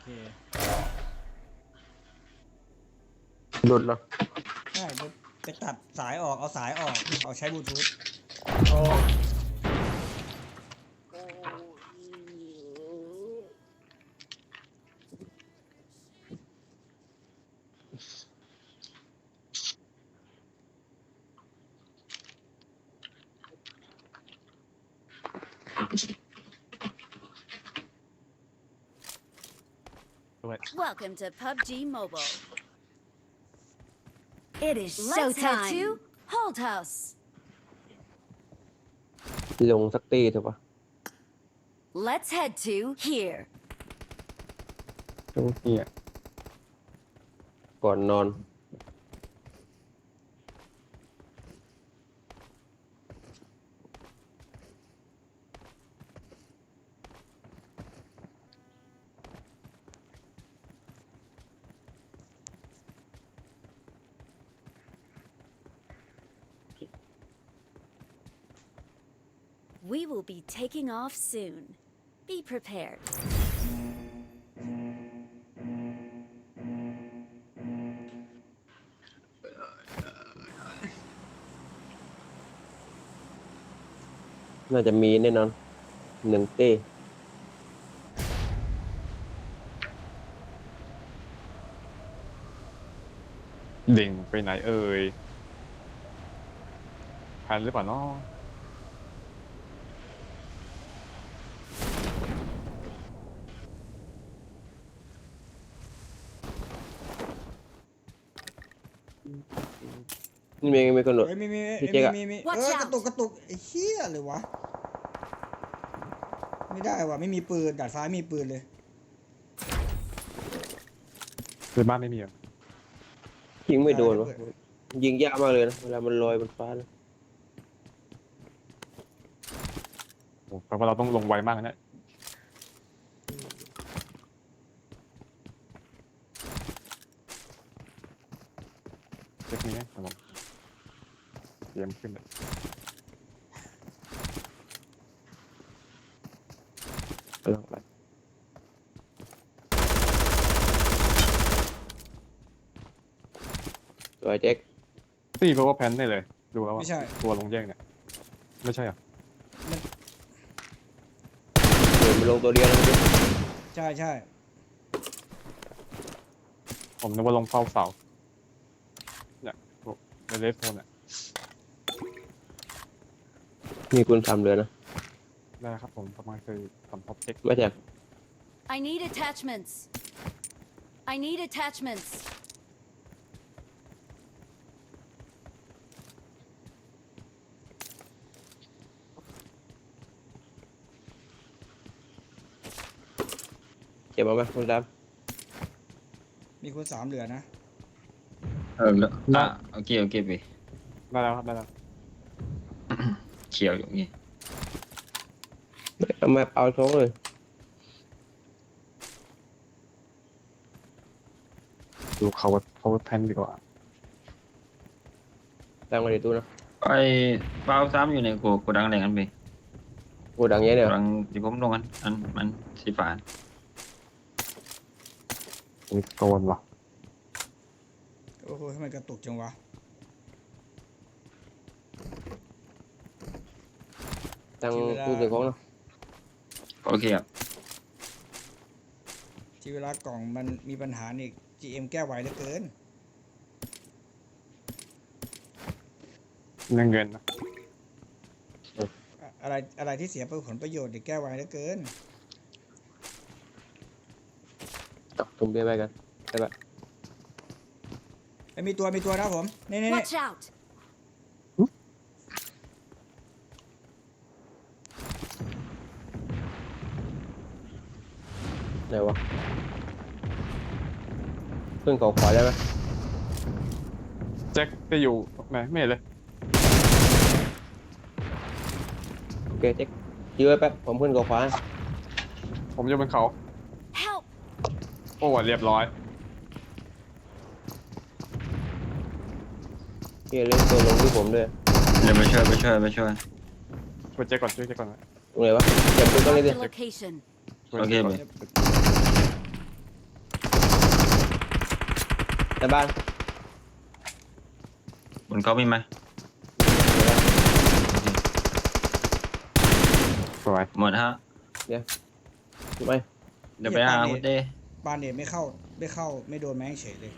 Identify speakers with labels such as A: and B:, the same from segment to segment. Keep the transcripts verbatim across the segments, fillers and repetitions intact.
A: หลุดเหรอ
B: ใช่ไปตัดสายออกเอาสายออกเอาใช้บลูทูธ
A: โอ้
C: Welcome to พับจี Mobile.
D: It is
C: Let's head
D: showtime.
C: to Hold House.
A: ลงสักตีเถอะปะ
D: Let's head to here.
A: ตรงนี้อ่ะก่อนนอน
C: We will be taking off soon. Be prepared.
A: น่าจะมีแน่นอนหนึ่งตี
E: เด่งไปไหนเอ่ยทันหรือเปล่าเนาะ
A: นี่มีมีคนหลุด
B: เฮ้ยมีมี
A: พี่
B: มี
A: เจ๊กอะ
B: มีมี
C: Watch
B: เออ
C: out
B: กระตุกกระตุกไอ้เหี้ยเลยวะไม่ได้ว่ะไม่มีปืนดาดฟ้ามีปืนเลย
E: คือบ้านไม่มีอ่ะ
A: ยิงไม่โดนวะยิงยากมากเลยนะเวลามันลอยบนฟ้านะ
E: โอ้แปลว่าเราต้องลงไวมากนะเช็คนี้นะครับผมเตรียมขึ้นเลย
A: กำลังไปสวยเจ๊ก
E: ตีเพราะว่าแพนได้เลยดูแล้วว่า
B: ไม่ใช่
E: ตัวลงแยกเนี่ยไม่ใช่อ่ะ
A: เดินมาลงตัวเดียวแล้วดิ
B: ใช่ใช่
E: ผมนึกว่าลงเฝ้าเสาเนี่ยในเลสโฟนเนี่ย
A: มีคุณทำเลยนะ
E: ได้ครับผมประมาณเคยทำท็อปเช็ค
A: ไม่แท็ก
C: I need attachments. I need attachments.
A: เก็บมาไหมคุณด
B: มีคนสามเหลือนะ
F: เออแล้วอ่ะโอเคโอเคไป
E: ได้แล้วครับได้แล้ว
F: เขียวอยู่นี่
A: ำเอามาเอาท้องเลย
E: ดูเขาเขาแพนดีกว่า
A: ตั้งมาในตู้นะ
F: ไอ้เป้าซ้ำอยู่ในโกโกดังอะไรกันไป
A: โกดังเนี้ย
F: โก
A: เนี่ย
F: ดังที่ผมลงกันอันมันสีฟ้า
E: นี่โกนว่ะ
B: โอ้โหทำไมกระตุกจังวะ
A: ตั้งตู้เก็บของนะ
F: โอเคครับ
B: ที่เวลากล่องมันมีปัญหานี่ จี เอ็ม แก้ไวเหลือเกิน
E: เงินเงินนะ
B: อะอะไรอะไรที่เสียผลประโยชน์นี่แก้ไวเหลือเกิน
A: ตักถุงเบียร์ไปกันได้ปะ
B: ไอ้ยมีตัวมีตัวนะผมนี่นี่นี่
C: Watch out.
A: ไหนวะขึ้นเขาขวาได้ไหม
E: แจ็คจะอยู่ไหนไม่เห็นเลย
A: โอเคเจ๊กยื้อไว้แป๊บผมขึ้นเขาขวา
E: ผมอยู่บนเขา
C: Help.
E: โอ้เรียบร้อย
A: เฮียเล่นตัวลงที่ผมด้วย
F: เดี๋ยวไปช่วยไปช่วยไปช่วย
E: ช่วยแจ็คก่อนช่วยแจ็คก่อนนะ
A: ตรงไหนวะเก็บตู้ตรงนี้
C: Mark
A: ดิ
C: the location.
E: ช่วย
F: โอเค
E: แจ็ค
F: ไป
E: ก่อน
G: ในบ้าน
F: บนเขามีไหม
E: สวย
F: หมดฮะ
G: ถูกไหม
F: เดี๋ยวไปหาคุณเต้
B: บานเดดไม่เข้าไม่เข้าไม่โดนแม่งเฉยเลย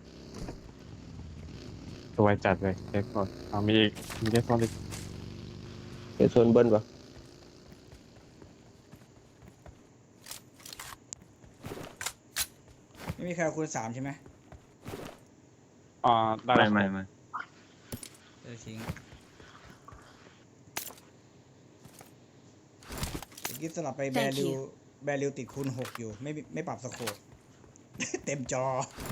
E: สวยจัดเลยเด็กก่อนเอามีอีกมีเด็กก่อนอีก
G: เดี๋ยวโซนเบิ้ลปะ
B: ไม่มีใครเอาคูณสามใช่ไหม
E: อ่าได้
F: ไม่
E: แล้ว
F: ไม่ไม่
B: เดี๋ยวทิ้งเมื่อกี้สลับไปแบ
D: Thank
B: ริว
D: you
B: แบริวติดคูณหกอยู่ไม่ไม่ปรับสโคป เต็มจอ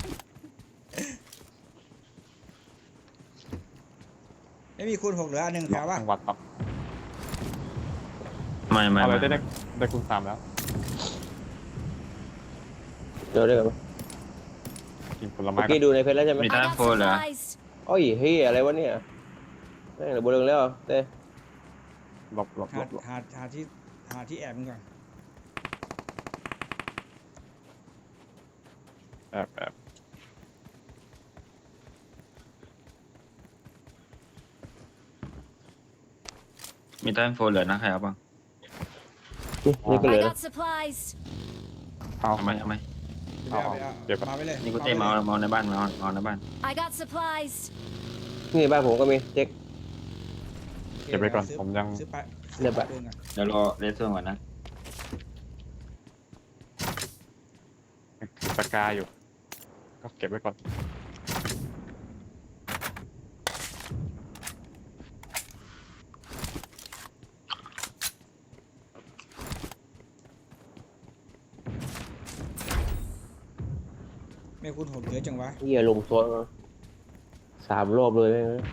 B: ไม่มีคูณหกเหลืออันหนึ่งแถวว่า
E: จังหวัดครับ
F: ไม่ไม่
E: เอาเล
F: ไม่
E: ยได้ได้ได้คูณสามแล้ว
G: เดี๋ยวได้กันปะ
E: กินผลไม้
G: เมื่อ
E: กั
G: กี้
E: น
G: ดูในเพจแล้วใช่ไหม
F: มี
D: I
F: ท่า
D: got
F: โฟเหรอ
D: supplies.
G: โอ้ยเฮ้ยอะไรวะเนี่ยแม่งเหลือบนเรืองแล้วเต้
E: หลบหลบหล
B: หา
E: บหลบ
B: หาหาที่หาที่แอบมันก่อน
E: แอบแอบ
F: มีท่าโฟเหลือนะใครเอาบ้าง
G: นี่นี่ก็เหลื
D: I
G: อนะ
D: got supplies.
E: เอา
F: เอาไหมเอาไหม
B: เดี๋ยวเอาไปเอา
E: เดี๋ยวก่อน
B: มาไว้เลย
F: นี่คุณเต้มาเอามาเอาในบ้านมาเอามาเอาในบ้าน
D: I got supplies.
G: นี่บ้านผมก็มีเจ๊ก
E: เก็บไว้ก่อน
B: ซื้
E: ผมยัง
B: ซื้อไป
G: เดี๋ยวไป
B: ปืนก่อน
F: เดี๋ยวรอเรสเซอร์ก่อนนะ
E: ถือปากกาอยู่ ก็เก็บไว้ก่อน
B: ไม่คูณหกเยอะจังวะ
G: เฮียลงโซนมาสามรอบเลยแม่ง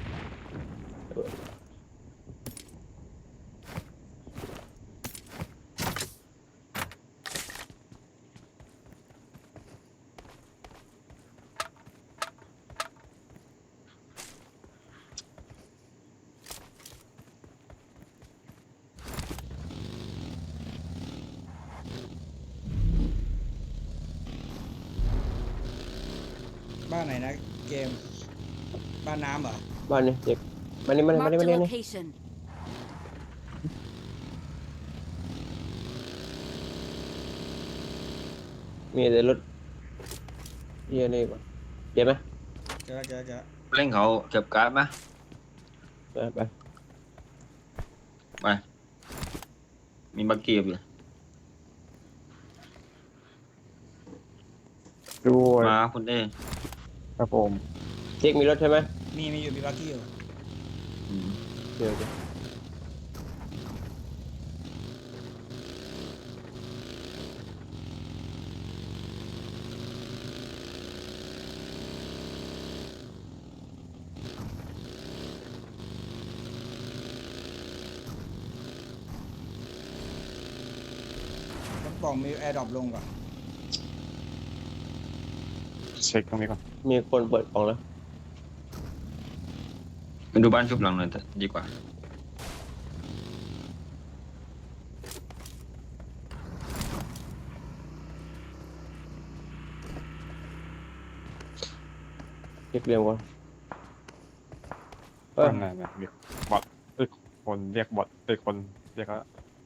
B: บ้านไหนนะเกม บ้านน้ำเหรอ
G: บ้านนี่เจ๊กมานี่มานี่มา
D: Marked
G: นี่
D: a
G: มานี่นี่
D: location.
G: มีแต่รถเฮียนี่ก่อนเจ็บไหม
B: เจอแล้วเจอแล้วเจอแล้ว
F: เล่นเขาเก็บการ์ดไหม
G: ไปไป
F: ไปมีบักเกียบอยู่
E: ด้วย
F: มาคุณเต้
E: ครับผม
G: เจ๊กมีรถใช่ไหม
B: มีมีอยู่มีบักกี้อยู่
F: อืม
G: เดี๋ยวเดี๋ยว
B: ต้องปล่องมีแอร์ดรอปลงก่อน
E: เช็คตรงนี้ก่อน
G: มีคนเปิดกล่องแล้ว
F: ไปดูบ้านชุบหลังหน่อยเถอะดีกว่า
G: เจ๊กเรียงก่อนเออ
E: นั่นน่ะเรียกบอทเอ้ยคนเรียกบอทเอ้ยคนเรียกแล้ว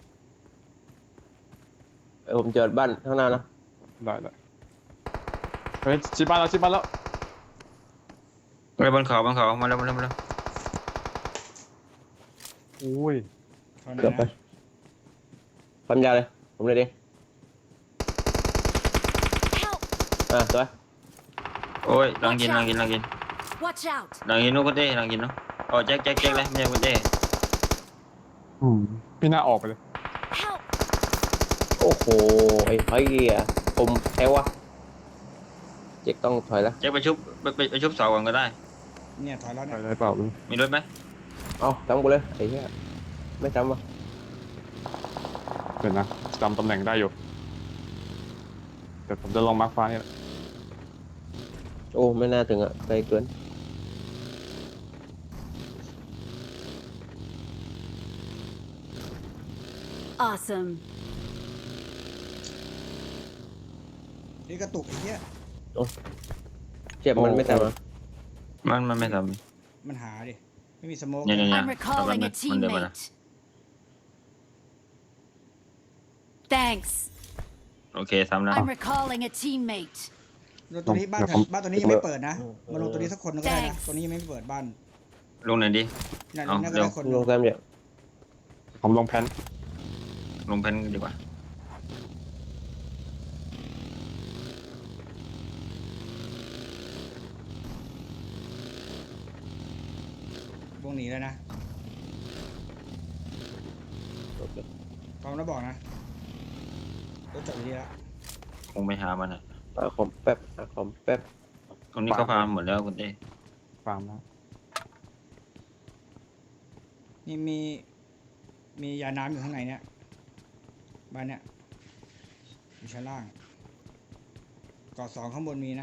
G: เออผมเจอบ้านข้างหน้านะ
E: ได้ได้เฮ้ยชิบ้านแล้วชิบ้านแล้ว
F: ไปบนเขาบนเขามาแล้วมาแล้วมาแล้ว
E: อุ้ย
B: เท่านั้
G: เกือบ
B: น
G: ไป
B: นะ
G: ความยาวเลยผมเลยดิ
D: Help!
G: อ่ะสวย
F: โอ้ยลังกินลังกินลังกิน
D: Watch out!
F: ลังกินนู้นคุณเต้ลังกินเนาะอ๋อแจ็คแจ็คแจ็คเลยไม่ใช่คุณเต้
E: อืมพี่น่าออกไปเลย
D: Help!
G: โอ้โหไอ้ไอ้เหี้ยผมแพ้วะเจ๊กต้องถอยแล้ว
F: แจ็คไปชุบไปไปไปชุบเสาก่อนก็ได้
B: เนี่ยถอยแล้ว
E: ไป
B: เนี่ย
E: เลยเปล่าลุง
F: มีรถไหม
G: เอาจำกูเลยไอ้เหี้ยไม่จำวะ
E: เดี๋ยวนะจำตำแหน่งได้อยู่เดี๋ยวผมจะลองมาร์คฟ้านี่แหละ
G: โอ้ไม่น่าถึงอ่ะไกลเกิน
C: Awesome.
B: นี่กระตุกไอ้เหี้ย
G: เจจ็บมันไม่ตามมา
F: มันมันไม่ท
B: มันหาดิ ไม่มีสโมก
F: ำเนี่ยเนี่ยเนี่ย
D: I'm recalling a
F: มันเดินมาละ
D: teammate. Thanks.
F: โอเคซ้ำแล้ว
D: I'm recalling a teammate.
B: รถตัวนี้บ้านแถวบ้านตัวนี้ยังไม่เปิดนะ มาลงตัวนี้สักคนหนึงก็ได้นะ
D: Thanks
B: ตัวนี้ยังไม่เปิดบ้าน
F: ลงไหนอยดิ
B: นั่น
F: เอา
B: นั่นก็
F: เร็ว
B: ได้คนห
G: ล
B: นึ่
G: ง
B: ง
G: แซมเนี่ย
E: ผมลงแพน
F: ลงแพนดีกว่า
B: วงหนีแล้วนะ
G: โอเค
B: พร้อมแล้วบอกนะรถจอดอยู่นี่แล้ว
F: คงไปหามันอ่ะ
G: หาคอมแป๊บหาคอมแป๊บ
F: ตรงนี้ก็พาหมดแล้วคุณเต้
E: ฟาร์มแล้ว
B: นี่มี มียาน้ำอยู่ข้างในเนี่ยบ้านเนี่ยอยู่ชั้นล่างเกาะสองข้างบนมีนะ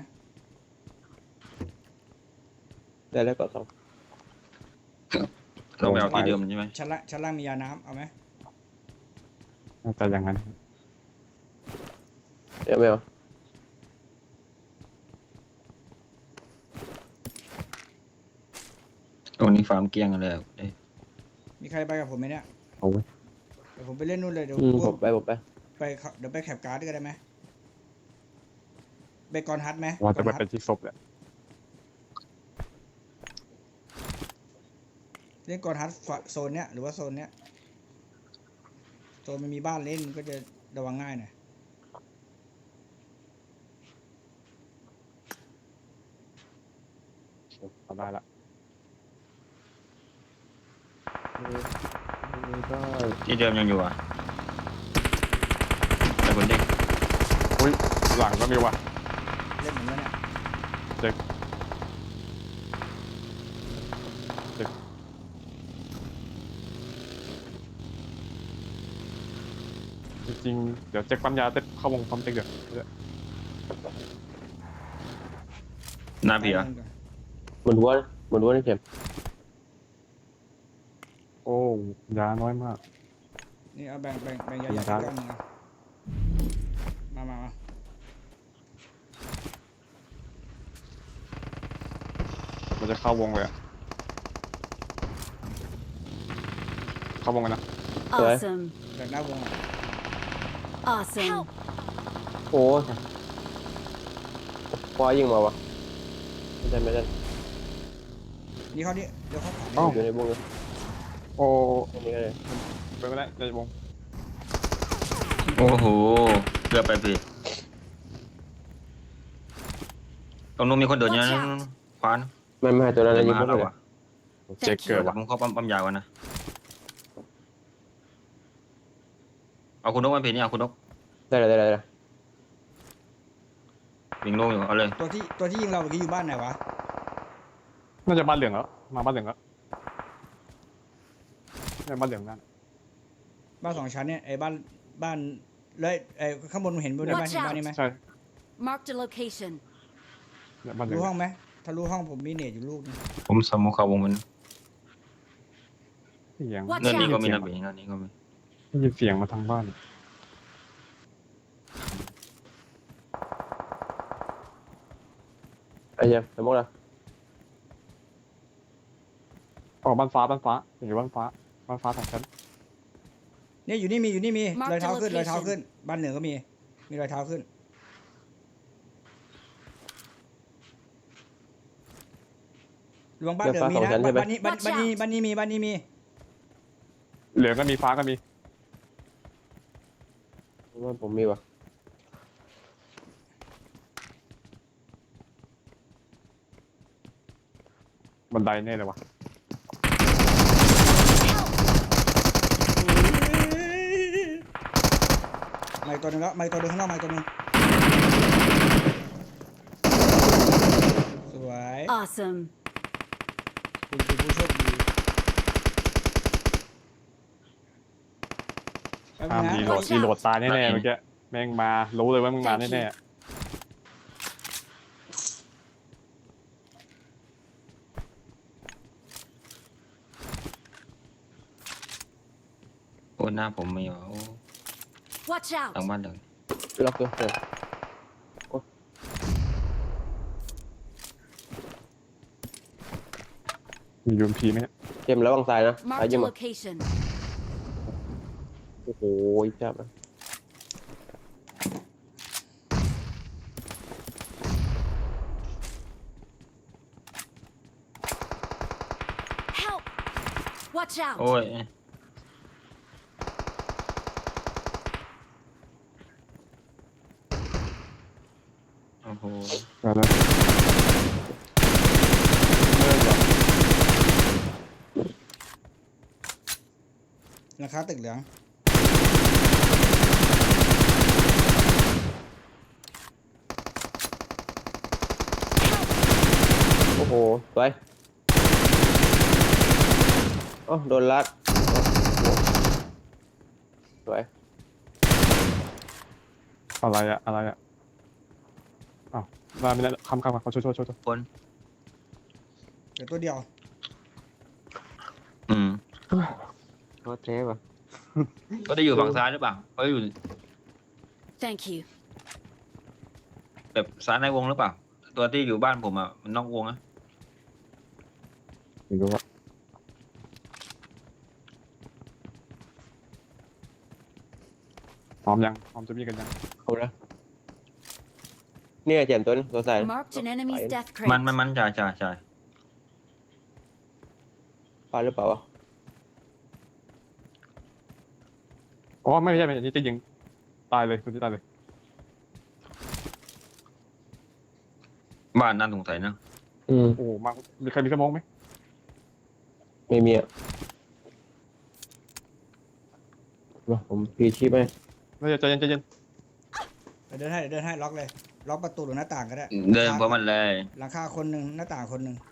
G: ได้แล้วก็สอง
F: เราไปเอาที่เดิมใช่ไหม
B: ชั้นล่างชั้นล่างมียาน้ำเอาไหม
E: น่าจะอย่างนั้น
G: เดี๋ยวไม่เอา
F: ตรงนี้ฟาร์มเกลี้ยงกันเลยอะคุณเต้
B: มีใครไปกับผมไหมเนี่ย
E: เอาไว้
B: เดี๋ยวผมไปเล่นนู่นเลยเดี๋ยว
G: อืม
B: พ
G: ผ
B: วก
G: มไปผมไป
B: ไปเขาเดี๋ยวไปแคปการ์ดก็ได้ไหมไปกอนฮัทไหม
E: ว่าจะไป
B: กอนฮัท
E: เป็นที่ศพแหละ
B: เล่นกอนฮัทฝั่งโซนเนี้ยหรือว่าโซนเนี้ยโซนมันมีบ้านเล่นก็จะระวังง่ายหน่อย
E: ทำได้ละ
G: นี่ก็
F: ที่เดิมยังอยู่อ่ะแต่คุณเต้
E: อุ้ยหลังก็มีว่ะ
B: เล่นเหมือนกันเนี่ย
E: เจ๊กจริงๆเดี๋ยวเจ๊กปั๊มยาเจ๊กเข้าวงปั๊มเจ๊กเดี๋ยวเดี๋ยว
F: หน้าพี่เหรอ
G: หมุนหัวหมุนหัวนี่เข็ม
E: โอ้ยาน้อยมาก
B: นี่เอาแบ่งแบ่งแบ่งยา
E: มี
B: ยา
E: ครับ
B: ก้อนหนึงอะมามามา
E: มันจะเข้าวงเลยอะเข้าวงกันนะ
D: Awesome.
B: แบ่งหน้าวงอะ
D: Awesome.
G: โอ้ยควายยิงมาวะไม่ได้ไม่ได้
B: นี่เขานี่เดี๋ยวเขาขวา
E: เอ้า
G: อยู่ในวงเลย
E: โอ้
G: อันนี้ก็เลย
E: ไปไม่ได้ในวง
F: โอ้โหเกือบไปพี่ตรงนู้นมีคนเดินอยู่นะขวาน
G: ไม่ไม่ให้ตัวนั้น
F: เดิ
G: นะ
F: น
G: ยิ
F: มาง หา
G: เข้า
F: เรา
G: ไปเลย
F: อ่ะ
E: เจ๊กเกิดว่ะ
F: ผมเข้าปั๊มปั๊มยาวกันนะเอาคุณนกมาพี่นี่เอาคุณนก
G: ได้เลยได้เลยได้เลย
F: วิ่งลงอยู่เอาเลย
B: ตัวที่ตัวที่ยิงเราเมื่อกี้อยู่บ้านไหนวะ
E: น่าจะบ้านเหลืองแล้วมาบ้านเหลืองแล้วเนี่ยบ้านเหลืองนั่น
B: บ้านสองชั้นเนี่ยไอ้บ้านบ้านเลยไอ้ข้างบนเห็นบนบ้าน
D: Watch
B: เห็นบ้านนี้ไหม
E: ใช่
D: Marked a location.
E: เนี่ยบ้านเหลือง
B: รู้ห้องไหมถ้ารู้ห้องผมมีเนตอยู่ลูกนึง
F: ผมสมมุติเข้าวงมัน
E: เสียง
D: Watch
F: เงินนี้ก็มี
E: ได้
F: นะ
E: ยิน
F: พี่เงินนี้ก็มี
E: ได้ยินเสียงมาทางบ้าน
G: ไอ้เหี้ยังสมมติละ
E: ออกบ้านฟ้าบ้านฟ้าอยู่บ้านฟ้าบ้านฟ้าสองชั้น
B: เนี่ยอยู่นี่มีอยู่นี่มี
D: Mark
B: รอยเท้า
D: the
B: ขึ้นรอยเท้า
D: location
B: ขึ้น บ้านเหนือก็มี มีรอยเท้าขึ้น รวงบ้านเหนือมีนะบ้านบ้านนี้บ้านบ้านนี้บ้านนี้มีบ้านนี้มี
E: เหลืองก็มีฟ้าก็มี
G: ผมว่าผมมีวะ
E: บันไดแน่เลยวะ
B: ไม่ตัวหนึงแล้วไม่ตัวหนึงข้างนอกไม่ตัวหนึงสวย
D: Awesome.
B: คุณคือผู้โชคดีแป๊บ
E: ห้าม
B: นึ
E: รี
B: ง
E: โหล
B: นะ
E: ดรีโหลดตายแน่ๆเมื่อกี้แม่งมารู้เลยว่ามึงมาแน่
F: โอ้หน้าผมไม่เอา
D: Watch
F: ทาง
D: out.
F: บ้านเลย
G: ล็อกตัวเออ
E: มียูเอ็มพีไหมเนี่ย
G: เจมส์ระวังซ้ายนะซ้าย
D: Marked
G: ยิ
D: a
G: งมา
D: location.
G: โอ้โหจับนะ
D: Help! Watch out!
F: โอ้ยโอ้โห
E: ไปแล้วเลิกเหรอ
B: ราคาตึกเหลือง
G: โอ้โหสวยโอ้โดนลัดสวย
E: อะไรอะอะไรอะอ้าวมาไม่ได้คำคำเขาช่วยช่วยช่วยช่วย
F: คน
B: เดี๋ยวตัวเดียว
F: อืม
G: โคตรเท่ว่ะ
F: ก็ได้อยู่ฝั่งซ้ายหรือเปล่าเขาอยู่
D: Thank you.
F: แบบซ้ายในวงหรือเปล่า ตัวที่อยู่บ้านผมอ่ะมันนอกวงนะ
E: ไม่รู้ว่าพร้อมยังพร้อมจะมีกันยัง
G: เอาละเนี่ยเจมส์ตัวนี้ตัวซ้าย
D: Marked an enemy's
G: Fine.
D: death
F: มันมัน
D: crate.
F: มันจ่ายจ่ายจ่าย
G: ฟาดหรือเปล่าวะ
E: อ๋อไม่ใช่ไม่ใช่นี่จะยิงตายเลยตัวที่ตายเลย
F: บ้านน่าสงสัยนะ
G: อืม
E: โอ้มามีใครมีสมองไหม
G: ไม่มีอ่ะเดี๋ยวผมพีชีพไหม
E: ไม่ใจเย็นใจเย็น
B: เดี๋ยวเดินให้เดี๋ยวเดินให้ล็อกเลย ล็อกประตูหรือหน้าต่างก็ได้
F: เดินเพราะมันเลย
B: หลังคาคนหนึ่งหน้าต่างคนหนึ่ง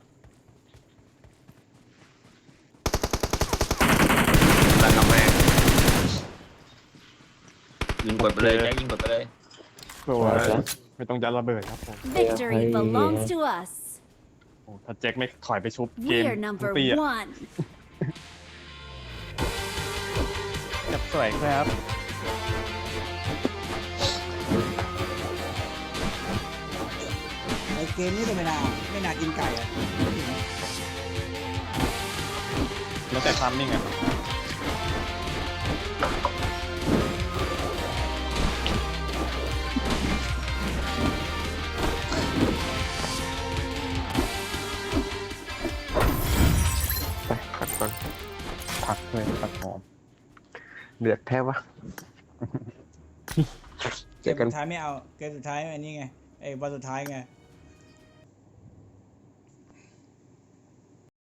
F: ตั้งกำแพงยิงกดไปเลยแจ็คยิงกดไปเลย
E: สวยไม่ต้องยัดระเบิดครับผม
D: Victory
G: Hey.
D: belongs to us.
E: โอ้ถ้าแจ็คไม่ถอยไปชุบเกม
D: We're number
E: ตีอะ
D: one.
E: จับสวยครับ
B: ไอเกมนี้ก็ไม่น่าไม่น่ากินไก่อะ
E: แล้วแต่ทัมมิ่งอะ
G: ไปขัดก่อน
E: ผักเลยผักหอม
G: เดือดแทบวะ
B: เกมสุดท้ายไม่เอา เกมสุดท้ายอันนี้ไงไอ้วันสุดท้ายไง